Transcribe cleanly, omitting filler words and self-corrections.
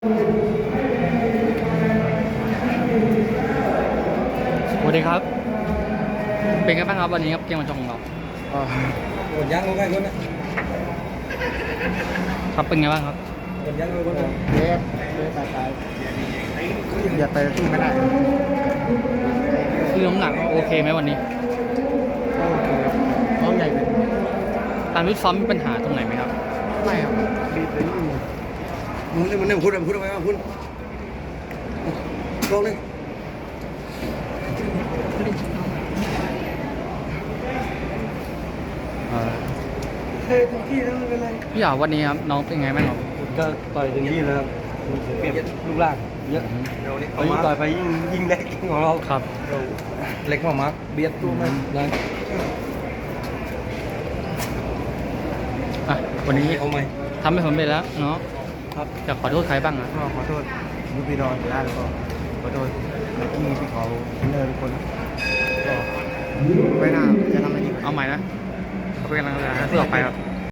สวัสดีครับเป็นไงบ้างครับวันนี้ครับเกมวันชงของเราหมดยังเอาใครคนครับเป็นไงบ้างครับหมดยังเอาคนเล็บตายอย่าไปสู้ไม่ได้คือน้ำหนักโอเคไหมวันนี้เขาใหญ่เลยการฟิตซ้อมมีปัญหาตรงไหนไหมครับไม่ครับดีไปนี่มึงเนี่ยพูดอะไรพูดลงเลยเฮ้ยทุกที่แล้วไม่เป็นไรพี่อยากวันนี้ครับน้องเป็นไงบ้างครับก็ต่อยเต็มที่แล้วครับเปลี่ยนรูปร่างเยอะเอายิ่งต่อยไปยิ่งเล็กของเราครับเล็กมากเบียดตัวมันนะวันนี้เอาไหมทำให้ผมไปแล้วเนาะครับจะขอโทษใครบ้างอ่ะก็ขอโทษลูกพี่น้องที่ร้านแล้วก็ขอโทษนักกีฬาที่เขาเนินคนก็ไว้หน้าจะทำให้ดีเอาใหม่นะขอเป็นกำลังใจให้สู้ต่อไปครับ